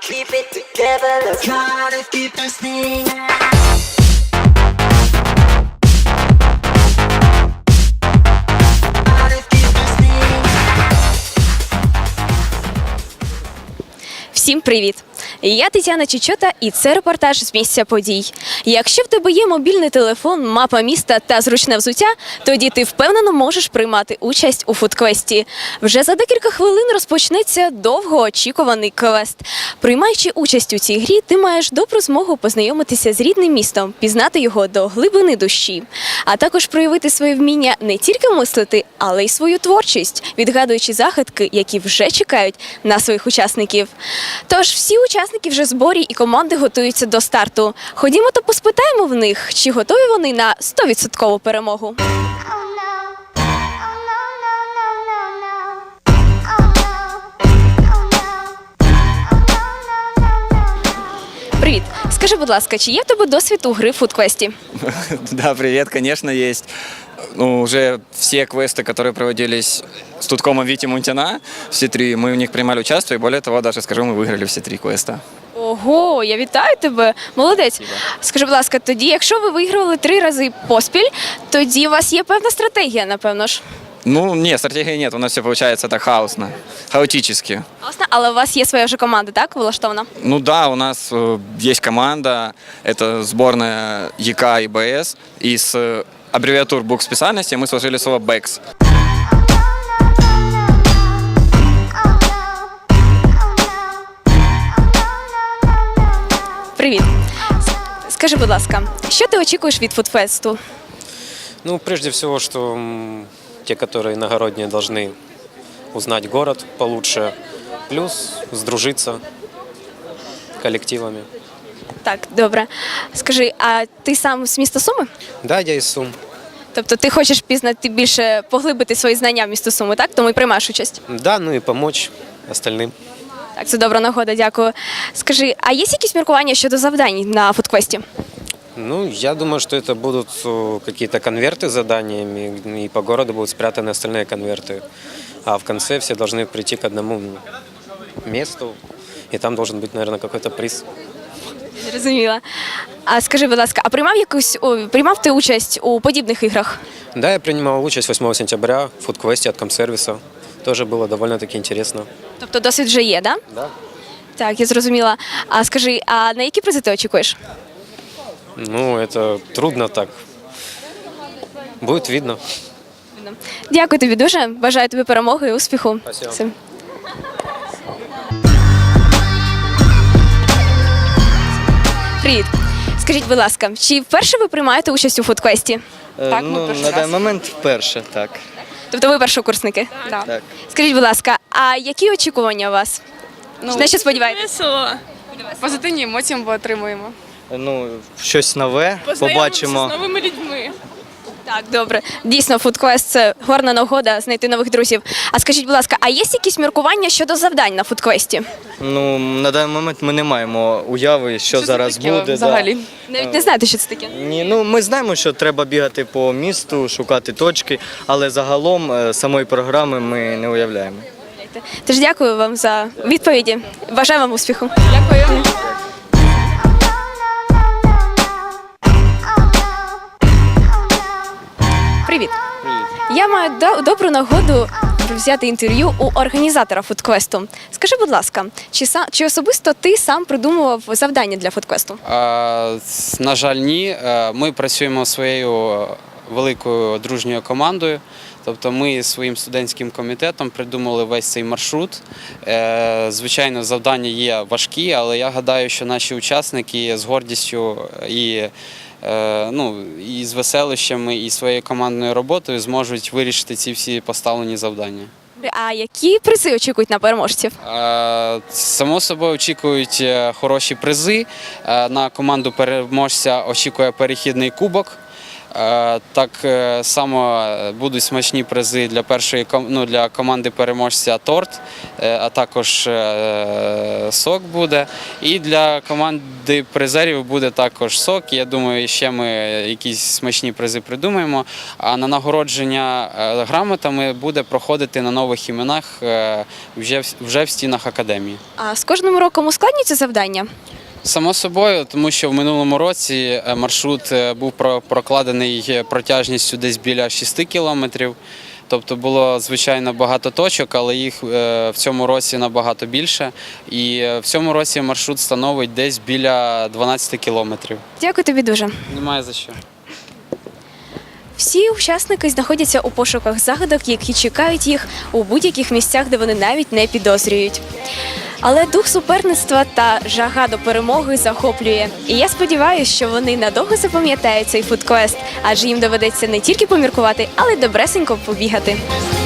keep it together, let's try to keep this thing. Всім привіт! Я Тетяна Чечота, і це репортаж з місця подій. Якщо в тебе є мобільний телефон, мапа міста та зручне взуття, тоді ти впевнено можеш приймати участь у фудквесті. Вже за декілька хвилин розпочнеться довгоочікуваний квест. Приймаючи участь у цій грі, ти маєш добру змогу познайомитися з рідним містом, пізнати його до глибини душі, а також проявити своє вміння не тільки мислити, але й свою творчість, відгадуючи загадки, які вже чекають на своїх учасників. Тож всі учасники вже в зборі і команди готуються до старту. Ходімо та поспитаємо в них, чи готові вони на 100% перемогу. Привіт! Скажи, будь ласка, чи є в тебе досвід у гри в фудквесті? Да, привет, конечно, есть. Ну, уже все квесты, которые проводились с Туткомом Вити Мунтяна, все три, мы в них принимали участие, и более того, даже скажу, мы выиграли все три квеста. Ого, я вітаю тебе! Молодець! Скажи, будь ласка, тоді, якщо ви вигравали 3 рази поспіль, тоді у вас є певна стратегія, напевно ж? Ну, нет, стратегии нет, у нас все получается так хаосно, хаотически. Власне, але у вас є своя вже команда, так, влаштована? Ну да, у нас есть команда, это сборная ЕК и БС, из аббревиатур букв специальности мы сложили слово «БЭКС». Привіт! Скажи, будь ласка, що ти очікуєш від фудфесту? Ну, прежде всего, что те, которые иногородние, должны узнать город получше, плюс сдружиться коллективами. Так, добре. Скажи, а ти сам з міста Суми? Да, я из Сум. Тобто ти хочеш пізнати більше, поглибити свої знання в місто Суми, так? Тому і приймаєш участь? Да, ну и помочь остальным. Так, це добра нагода, дякую. Скажи, а є якісь міркування щодо завдань на фудквесті? Ну, я думаю, что это будут какие-то конверты с заданиями, и по городу будут спрятаны остальные конверты. А в конце все должны прийти к одному месту, и там должен быть, наверное, какой-то приз. Зрозуміла. А скажи, будь ласка, а приймав ти участь у подібних іграх? Да, я принимал участь 8 сентября в фудквесте от Комсервиса. Тоже было довольно-таки интересно. Тобто досвід вже є, так? Да. Так, я зрозуміла. А скажи, а на які призи ти очікуєш? Ну, это трудно так. Будет видно. Дякую тобі дуже. Бажаю тобі перемоги і успіху. Спасибо. Все. Привіт. Скажіть, будь ласка, чи вперше ви приймаєте участь у фудквесті? Так, ну, на даний момент вперше, так. Тобто ви першокурсники? Так. Скажіть, будь ласка, а які очікування у вас? На що сподіваєтесь? Весело. Позитивні емоції ми отримуємо. Ну, щось нове побачимо. з новими людьми. Так, добре. Дійсно, фудквест – це гарна нагода знайти нових друзів. А скажіть, будь ласка, а є якісь міркування щодо завдань на фудквесті? Ну, на даний момент ми не маємо уяви, що це зараз таке буде. взагалі? Навіть не знаєте, що це таке? Ні, ну ми знаємо, що треба бігати по місту, шукати точки, але загалом самої програми ми не уявляємо. Тож дякую вам за відповіді. Бажаю вам успіху. Дякую. Привіт. Я маю добру нагоду взяти інтерв'ю у організатора фудквесту. Скажи, будь ласка, чи особисто ти сам придумував завдання для фудквесту? На жаль, ні. Ми працюємо своєю великою дружньою командою. Тобто ми своїм студентським комітетом придумали весь цей маршрут. Звичайно, завдання є важкі, але я гадаю, що наші учасники з гордістю і з веселищами, і своєю командною роботою зможуть вирішити ці всі поставлені завдання. А які призи очікують на переможців? Само собою очікують хороші призи. На команду переможця очікує перехідний кубок. Так само будуть смачні призи для для команди переможця торт, а також сок буде. І для команди призерів буде також сок. Я думаю, ще ми якісь смачні призи придумаємо. А на нагородження грамотами буде проходити на нових іменах вже в стінах академії. А з кожним роком ускладнюється завдання? Само собою, тому що в минулому році маршрут був прокладений протяжністю десь біля 6 кілометрів. Тобто було, звичайно, багато точок, але їх в цьому році набагато більше. І в цьому році маршрут становить десь біля 12 кілометрів. Дякую тобі дуже. Немає за що. Всі учасники знаходяться у пошуках загадок, які чекають їх у будь-яких місцях, де вони навіть не підозрюють. Але дух суперництва та жага до перемоги захоплює. І я сподіваюся, що вони надовго запам'ятають цей фудквест, адже їм доведеться не тільки поміркувати, але й добресенько побігати.